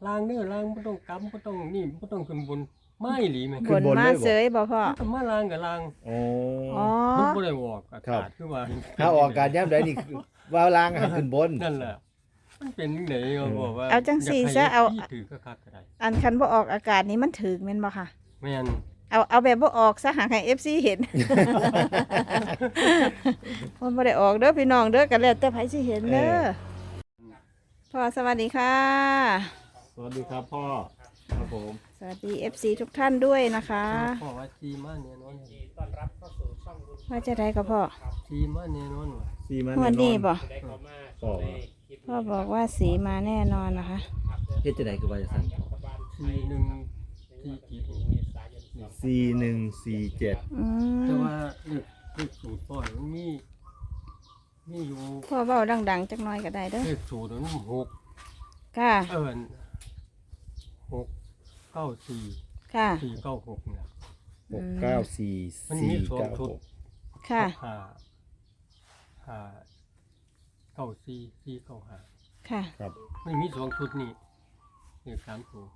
ลางเด้อลางบ่ต้องกำบ่ต้องนี่บ่ต้องขึ้นบนไม่หลีแม่บนมาเสยบ่พ่อมันมาลางกับลางโอ้อ๋อมันบ่ได้ออกอาครักาบศคือว่าถ้าออกอากาศยามใดนี่คือว่าลางให้ขึ้นบนนั่นแหละมันเป็นจังไดก็บอกว่าเอาจังสี่ซะเอาที่ถือคักๆก็ได้อันคันบ่ออกอากาศนี่มันถึกแม่นบ่ค่ะแม่นเอาแบบบ่ออกซะหาให้ FC เห็น มันบ่ได้ออกเด้อพี่น้องเด้อก็แล้วแต่ไผสิเห็นเด้อพ่อสวัสดีค่ะสวัสดีครับพ่อครับผมสวัสดี FC ทุกท่านด้วยนะคะพ่อว่าซีมาเนี่ยนอนว่าจะได้กับพ่อซีมาเนี่ยนอนว่ะซีมันวันนี้บ่พ่อพ่อบอกว่าสีมาแน่นอนนะคะเฮ็ดจังได๋คือว่าจะสั่นซีหนึ่งซีกีด 4147 อืแต่มว่าเลขสูตรพ่อมันมีอยู่พ่อเว้าดังๆจักหน่อยก็ได้เด้อเลขสูตรมันหกค่ะ 694 ค่ะ 496เนี่ย 694 มันมีสองชุด 496 ค่ะห้าเก้าสี่เก้าห้าค่ะครับไม่มีสองชุดนี่เลข3ตัว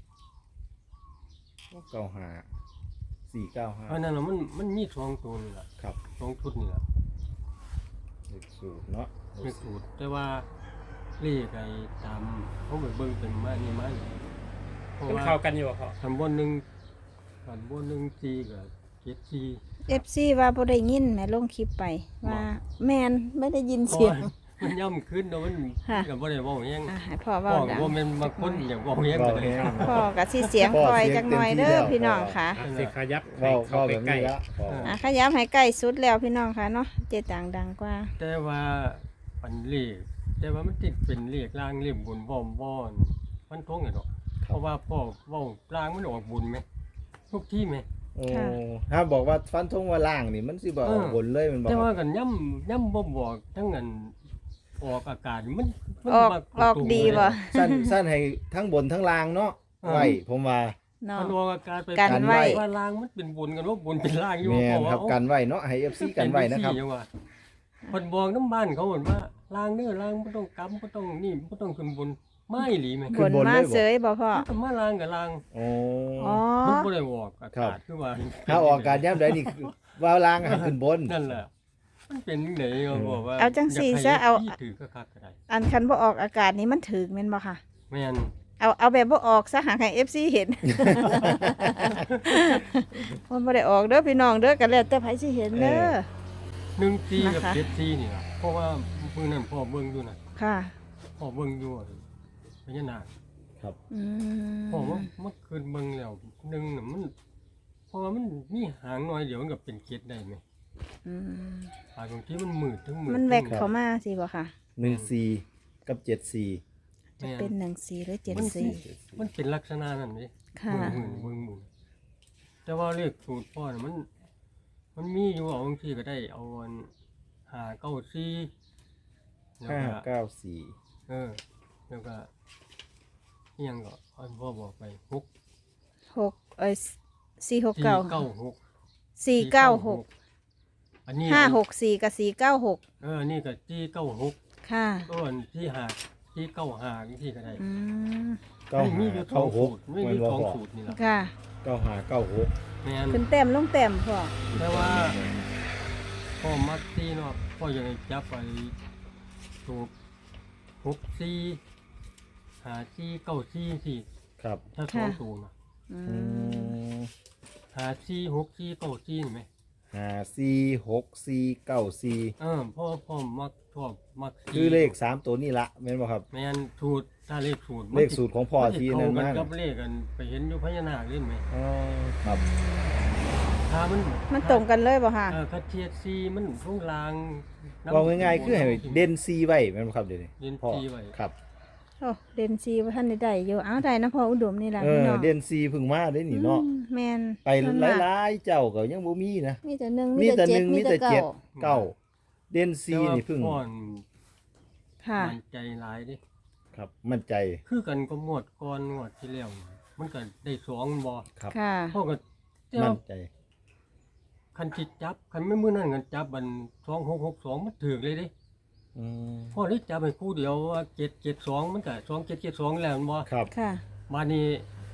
95 เพราะ 495 นั้นน่ะมันมีสองตัวนี่แหละครับสองชุดนี่แหละเลขสูตรเนาะเลขสูตรแต่ว่าเลขไอ้ตามเขาไปเบิ่งเป็นมานี่มานี่เพราะมันว่าเข้ากันอยู่เหรอพ่อขันบน1ซีกับ7ซี FC ว่าบ่ได้ยินแม่ลงคลิปไปว่าแม่นไม่ได้ยินเสียงมันย่ำขึ้นแล้วมันค่ะก็บ่ได้เว้าหยังให้พ่อพ่เว้าอก็ดังบ่แม่นบางคนอยากเว้าหยังก็ได้พ่อก็สิเสียงคอยจักหน่อยเด้อพี่น้องค่ะอ่ะสิขยับให้เว้าเข้าเว้าไปแบบใกล้นี้ละพ่อขยับให้ใกล้สุดแล้วพี่น้องค่ะเนาะเจตังดังกว่าแต่ว่าปันเลขแต่ว่ามันติดเป็นเลขล่างเลขบนบ่อนมันทงไงดอกเพราะว่าพ่อเว้าล่างมันออกบุญไหมทุกที่ไหมโอ้ถ้าบอกว่าฟันธงว่าล่างนี่มันสิบ่ออกบนเลยมันบ่แต่คว่ารับกันย่ำบ่บอกทั้งนั้นออกอากาศมันออกมาออกดีบ่สั้นให้ทั้งบนทั้งล่างเนาะไว้ผมว่าเนาะมันออกอากาศไปกันไว้ว่าล่างมันเป็นบุญกันว่าบุญเป็นล่างอยู่แม่นเพาะว่าครับกันไว้เนาะให้ FC กันไว้นะครับเป็จังซี่จังว่าคนบอกน้ำบ้านเขาบอกว่าล่างเด้อล่างบ่ต้องกำบ่ต้องนี่บ่ต้องขึ้นบนไม่หลีแม่ขึ้บนนบนมาเลยบ่เสยบ่พ่อมันก็มาล่างกับล่างโอ้อ๋อมันบ่ได้ออกอาครักาบศคือว่าถ้าออกอากาศยามใดนี่คือว่าล่างให้ขึ้นบนนั่นแหละมันเป็นจังไดก็บอกว่าเอาจังสี่ซะเอาที่ถือคักๆก็ได้อันคันบ่ออกอากาศนี่มันถึกแม่นบ่ค่ะแม่นเอาแบบบ่ออกซะหาให้ FC เห็น มันบ่ได้ออกเด้อพี่น้องเด้อก็แล้วแต่ไผสิเห็นเด้อ 1ซีกับนะคะ 7ซีนี่ล่ะเพราะว่ามื้อนั้นพ่อเบิ่งอยู่น่ะค่ะพ่อเบิ่งอยู่พญานาคครับอืมพ่อว่าเมื่อคืนเบิ่งแล้วหนึ่งน่ะมันเพราะว่ามันมีหางน้อยเดียวมันก็เป็นเกล็ดได้ไหมอืมบางทีมันมืดทั้งมืดมันแวกเข้ามาสิบ่ค่ะ 14กับ74 จะเป็น14หรือมัน 74 มันเป็นลักษณะนั้นนี่ค่ะมือแต่ว่าเลขสูตรพ่อน่ะมันมีอยู่เอาบางทีก็ได้เอาอัน594แล้วก็ 594 แล้วก็อิหยังก็อันพ่อบอกไป 6 469 496 496 อันนี้ 564กับ496 อันนี้ก็496 ค่ะก็อันที่95ที่ก็ได้อืมไม่มีอยู่สองสูตร 96 ไม่มีสองสูตรนี่แหละค่ะ 9596 แม่นขึ้นแต้มลงแต้มพ่อแต่ว่าพ่อมักที่เนาะพ่อยังจับไปถูก64 54 94สี่ครับถ้าสองสูตรนะอือืมม 54 64 94นี่ไหม 546494 พ่อมักชอบมักสี่คือเลข3ตัวนี่ละแม่นบ่ครับแม่นสูตรถ้าเลขสูตรเลขสูตรของพ่อที่นั่นมันมากับเลขกันไปเห็นอยู่พญานาคเล่นไหมอ๋อครับถ้ามันมันตรงกันเลยบ่ค่ะคัดเทียดซีมันช่วงลางน้ำว่าง่ายๆคือให้เด่นซีไว้แม่นบ่ครับเดี๋ยวนี้เด่นพ่อซีไว้ครับโอ้เดนซีว่าท่านได้อยู่อ้าวได้นะพ่ออุดมนี่ล่ะพี่น้องเด่นซีเพิ่งมาได้นี่เนาะแม่นไปหลายๆเจ้าก็ยังบ่มีนะมีแต่หนึ่งมีแต่หนึ่งมีมีแต่แต่เจ็ดเก้าเด่นซีนี่เพิ่งแต่ว่าพ่อค่ะมันใจหลายเดิครับ มั่นใจคือกันก็งวดก่อนงวดที่แล้วมันก็ได้สองบ่ครับค่ะพ่อก็แต่มั่ว่านใจคันจิตจับคันไม่มื้อนั้นกันจับมัน2662มันถูกเลยเดิอืมพ่อเลยจับไปคู่เดียวว่า772มันก็2772แล้วแม่นบ่ครับค่ะมานี่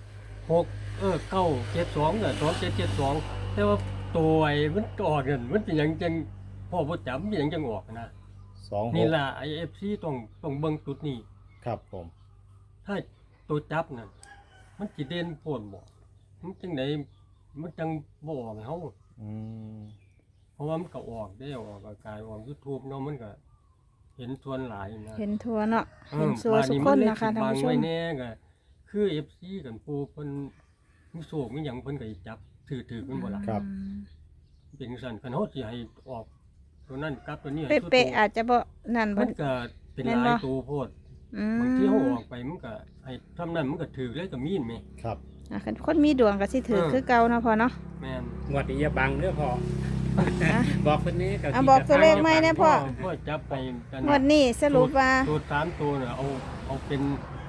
972ก็2772แต่ว่าตัวไอ้มันออกนั่นมันเป็นหยังจังพ่อบ่จำเป็นหยังจังออกนะ 26 นี่ล่ะ IFC ต้องเบิ่งจุดนี้ครับผมถ้าตัวจับนั่นมันสิเด่นโพดบ่มันจังไดมันจังบ่ออกให้เฮาอืมเพราะว่ามันก็ออกได้ออกอากาศออก YouTube เนาะมันก็เห็นส่วนหลายนะเห็นทัวเนาะออเห็นซัวสุกคนนะคะบ้ท่านผู้ชมัมเลยสิบังไว้แน่ก็คือ FC กันปูเพิ่นมีโชคมีหยังเพิ่นก็สิจับถือๆกันบ่ล่ะครับเป็นจังซั่นคันเฮาสิให้ออกตัวนั้นกลับตัวนี้ให้เป๊ะๆอาจจะบ่นั่นบ่มันก็เป็นแม่นหบ่ลายตัวโพดอืมบางทีเฮาออกไปมันก็ให้ทำนั้นมันก็ถือเลยก็มีนแหมครับอ่ะคันคนมีดวงก็สิถือคือเก่าเนาะพ่อเนาะแม่นงวดนี้อย่าบังเด้อพ่อ บอกคนนี้กับอ่ะบอกตัวเลขไหมเนี่ย พ่อพ่อจับไปกันงวดนี้สรุปว่าตัว3ตัวน่ะเอาเป็น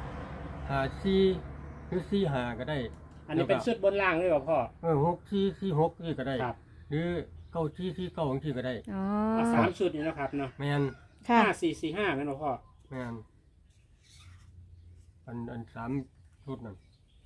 54หรือ45ก็ได้อันนี้เป็นชุดบนล่างเลยเหรอพ่อ 6446นี่ก็ได้ครับหรือ9449จังซี่ก็ได้อ๋อเอาสามชุดนี้นะครับเนาะแม่นค่ะ 5445แม่นบ่พ่อแม่นอัน3ชุดนั่น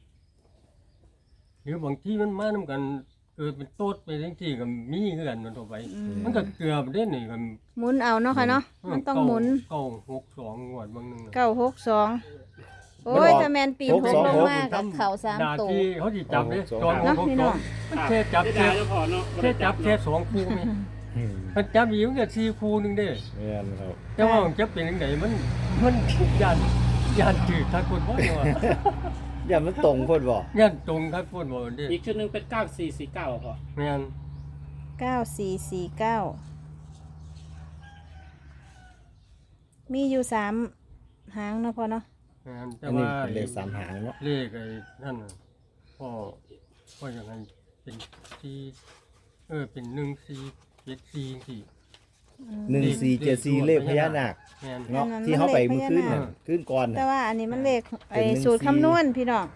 หรือบางทีมันมานำกันเกิดเป็นโต๊ดไปจังซี่ก็มีคือกันมันทั่วไปอืมมันก็เกือบเด้นี่กันหมุนเอาเนาะค่ะเนาะมันต้องหมุน 962งวดบางนึงน่ะ 962โอ้ยถ้าแม่นปีนหกลงมากับเข่า3 ดาตัวที่เขาสิจับเด้จอนเนาะพี่น้องมันแค่จับได้แค่แล้วพ่อเนาะแค่จับแค่2คู่แม่อืมมันจับอีกมันก็4คู่นึงเด้แม่นครับแต่ว่ามันจะเป็นจังไดมันย่านถือทักคนบ่เนาะอย่ามันตรงเพิ่นบ่ย่านตรงทักคนบ่เด้อีกชุดหนึงเป็น9449พ่อแม่น 9449มีอยู่3หางเนาะพ่อเนาะแม่นแต่อันนี้ว่าเป็นเลข3หางเนาะเลขไอ้นั่นน่ะพ่อยังไงเป็น4เป็น1474สี่ 1474เลขพญานาคแม่นเนาะที่เฮาไปมื้อคืนน่ะคืนก่อนแต่น่ะว่าอันนี้มันเลขไอ้เป็นสูตร 14 คำนวณพี่น้อง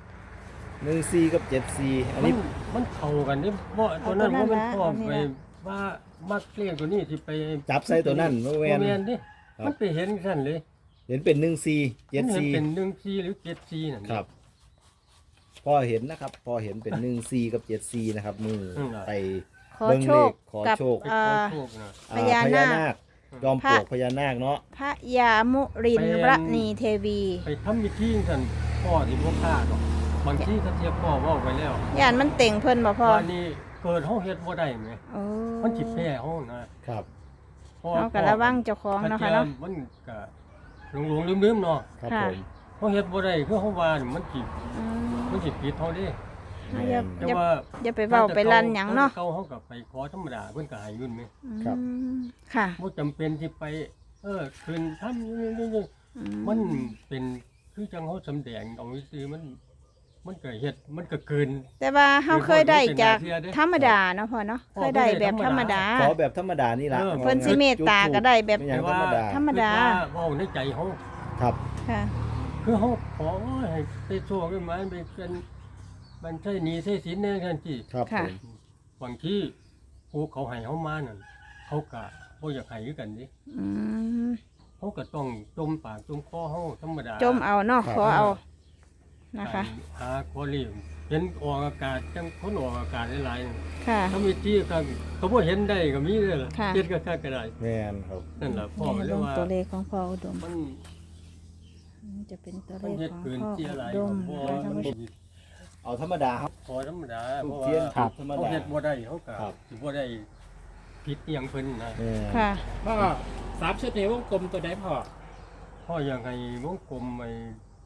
14กับ74อันนี้มันเข้ากันนี่เพราะตัวนั้นเอาตัวนั้นว่ามันพ่อละไปเอานี่ละว่ามักเลขตัวนี้สิไปจับใส่ตัวนั้นบ่บ่แม่นแม่นดิครับมันไปเห็นซั่นเลยเห็นเป็นมันเห็นเป็น 1474 14หรือ74นั่นครับ พอเห็นนะครับ พอเห็นเป็น14กับ74นะครับมือไปขอเบิ่งโชเลคขขอกับโชคขอโชคนะอ่พญานาคจอมปลวกพญานาคเนาะพระยามุรินทรณีเทวีไปทำพิธีซั่นพ่อสิบ่พลาดหรอกบางทีถ้าเทียบพ่อเว้าไปแล้วย่านมันเต่งเพิ่นบ่พ่อว่านี่เกิดเฮาเฮ็ดบ่ได้แหมโอ้มันสิแพ้เฮานะครับ เพราะว่าเอากะระวังเจ้าของเนาะค่ะเนาะมันก็หลงๆลืมๆเนาะครับค่ะผมเฮาเฮ็ดบ่ได้คือเฮาว่านี่มันสิอืมผิดเฮาเด้เอาอย่าแต่อย่าว่าอย่าไปเว้าไปลั่นหยังเนาะเก่าเฮาก็ไปขอธรรมดาเพิ่นก็ให้เงินแหมอืมค่ะบ่จำเป็นสิไปคืนทำอืมันเป็นคือจังเฮาสำแดงเอาซื่อมันก็เฮ็ดมันก็เกินแต่ว่าเฮาเคยได้จากเป็นหน้าที่เด้ธรรมดาเนาะพ่อเนาะพ่อเคยได้แบบธรรมดาขอแบบธรรมดานี่ล่ะเพิ่นสิเมตตาก็ได้แบบเป็นอย่างธรรมดาธรรมดาคือว่าเว้าในใจเฮาครับค่ะคือเฮาขอให้ไปโชคกันมาไปเป็นมันใช่หนี้ใช่สินแน่ทันทีครับค่ะผมบางทีผู้เขาให้เฮามานั่นเขาก็บ่อยากให้คือกันดิอืมเขาก็ต้องจมปากจมคอเฮาธรรมดาจมเอาเนาะขอเอานะคะหาคอเลียมเห็นออกอากาศจังคนออกอากาศหลายๆค่ะถ้ามีที่ก็บ่เห็นได้ก็มีเด้อล่ะค่ะเฮ็ดก็ค่าก็ได้แม่นครับนั่นล่ะพ่อก็นี่เลลยงว่าตัวเลขของพ่ออุดมมันจะเป็นตัวเลมันขเฮ็ดของเกินพ่อเสียหลายอุดมพ่อนะคะท่านมันผู้ชมเอาธรรมดาครับพอธรรมดาทุเพกราะเทียนว่าธรรมเขาดาเฮ็ดบ่ได้เขาก็ครับสิบ่ได้ผิดอหยังเพิ่นนะแม่นค่ะพ่อสามชุดนี้วงกลมตัวใดพ่อพ่ออยากให้วงกลมไอ้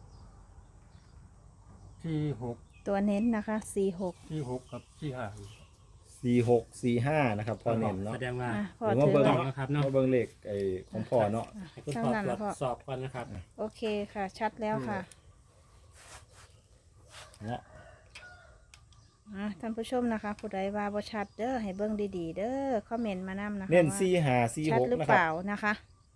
ที่6 ตัวเน้นนะคะ46 ที่6กับที่5 4645นะครับพอเน้นเนาะแสดงว่าอ่ะพ่อเดี๋ยวมาถือเบิ่งต้องไว้นะครับเนาะมาเบิ่งเลขไอ้ของพ่อเนาะให้คุณเท่าพ่อนั้นตรละวจพ่อสอบก่อนนะครับโอเคค่ะ ชัดแล้วค่ะเนาะท่านผู้ชมนะคะ ผู้ใดว่าบ่ชัดเด้อให้เบิ่งดีๆ เด้อคอมเมนต์มานำนะคะเน้นว่าชัดหรือ 4546นะคเปรับล่านะคะ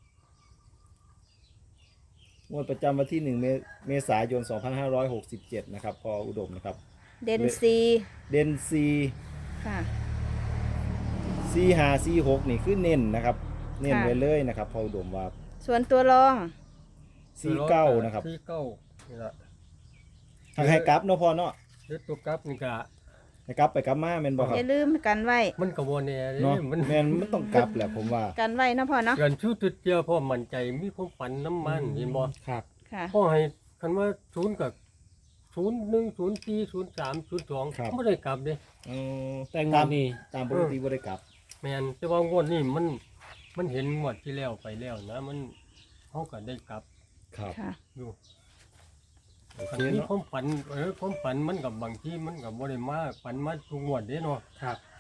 งวดประจำวันที่1เมษายน2567นะครับพออุดมนะครับเดนซีเด่นค่ะ 4546นี่คือเน้นนะครับ เน้นค่ะไว้เลยนะครับพออุดมว่าส่วนตัวรอง 49นะครับสี่เก้านี่ล่ะทางให้กลับเนาะพ่อเนาะหรือตัวกลับนี่ก็ให้กลับไปกลับมาแม่นบ่ครัอบ ย่าลืมกันไว้มันก็บ่แน่เด้เนาะมันแม่นมันต้องกลับแหละผมว่ากันไว้เนาะพ่อเนาะเกินชูตุดเดียวพ่อมั่นใจมีความฝันน้ำมันเห็นบ่ครับค่ะพ่อให้คันว่า0กับ01 04 03 02บ่ได้กลับเด้แต่งวดนี้ตามปกติบ่ได้กลับแม่นแต่ว่างวดนี้มันเห็นงวดที่แล้วไปแล้วนะมันเฮาก็ได้กลับครับค่ะอยู่โอเคมีเนาะความฝันความฝันมันกับบางที่มันกับบ่ได้มาฝันมาทุกงวดเด้เนาะครับม